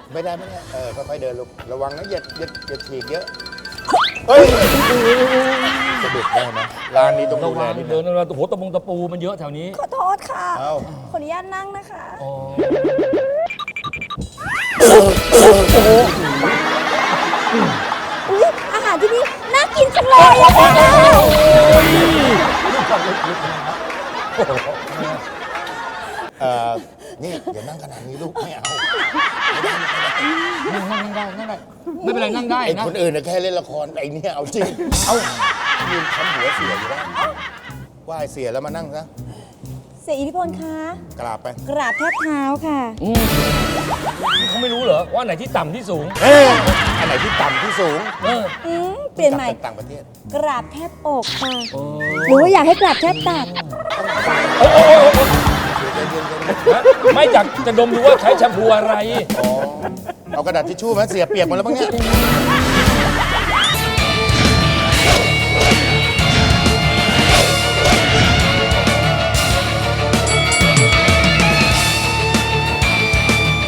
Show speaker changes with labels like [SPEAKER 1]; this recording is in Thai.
[SPEAKER 1] ไม่ได้ค่อยๆเดินลูกระวังนะอย่าฉีกเยอะเฮ้ยสะดุดได้ไหมร้านนี้ต้อง
[SPEAKER 2] ระ
[SPEAKER 1] ดูแล
[SPEAKER 2] วัง
[SPEAKER 1] นิด
[SPEAKER 2] เดิ
[SPEAKER 1] นึ
[SPEAKER 2] น
[SPEAKER 1] ง
[SPEAKER 2] โอ้โหตะปูมันเยอะแถวนี้
[SPEAKER 3] ขอโทษค่ะ
[SPEAKER 1] เอ้า
[SPEAKER 3] ขออนุญาตนั่งนะคะ
[SPEAKER 2] อ๋อ
[SPEAKER 3] อุ๊ยอาหารที่นี่น่ากินจังเลยอะค่ะ
[SPEAKER 1] นี่อย่านั่งขนาดนี้ลูกไม่เอา
[SPEAKER 2] นั่งได้ไม่เป็นไรนั่งได้
[SPEAKER 1] ไอ้
[SPEAKER 2] นะ
[SPEAKER 1] คนอื่นน่ะแค่เล่นละครไอ้เนี่ยเอาจริงเอายืนทำหัวเสียอยู่ได้ไหว้เสียแล้วมานั่งซะ
[SPEAKER 3] เสียอิทธิพลคะ
[SPEAKER 1] กราบไป
[SPEAKER 3] กราบแทบเท้าค่ะ
[SPEAKER 2] เขาไม่รู้เหรอว่าไหนที่ต่ำที่สูง
[SPEAKER 1] อันไหนที่ต่ำที่สูง
[SPEAKER 2] เออ
[SPEAKER 3] เปลี่ยนใหม่
[SPEAKER 1] กลับไปต่างประเทศ
[SPEAKER 3] กราบแทบอกค่ะ หรือว่าอยากให้กราบแทบตัก
[SPEAKER 2] ไม่จากจะดมดูว่าใช้แชมพูอะไร
[SPEAKER 1] อ๋อเอากระดาษทิชชู่มาเสียเปียกหมดแล้วบ้างเนี่ย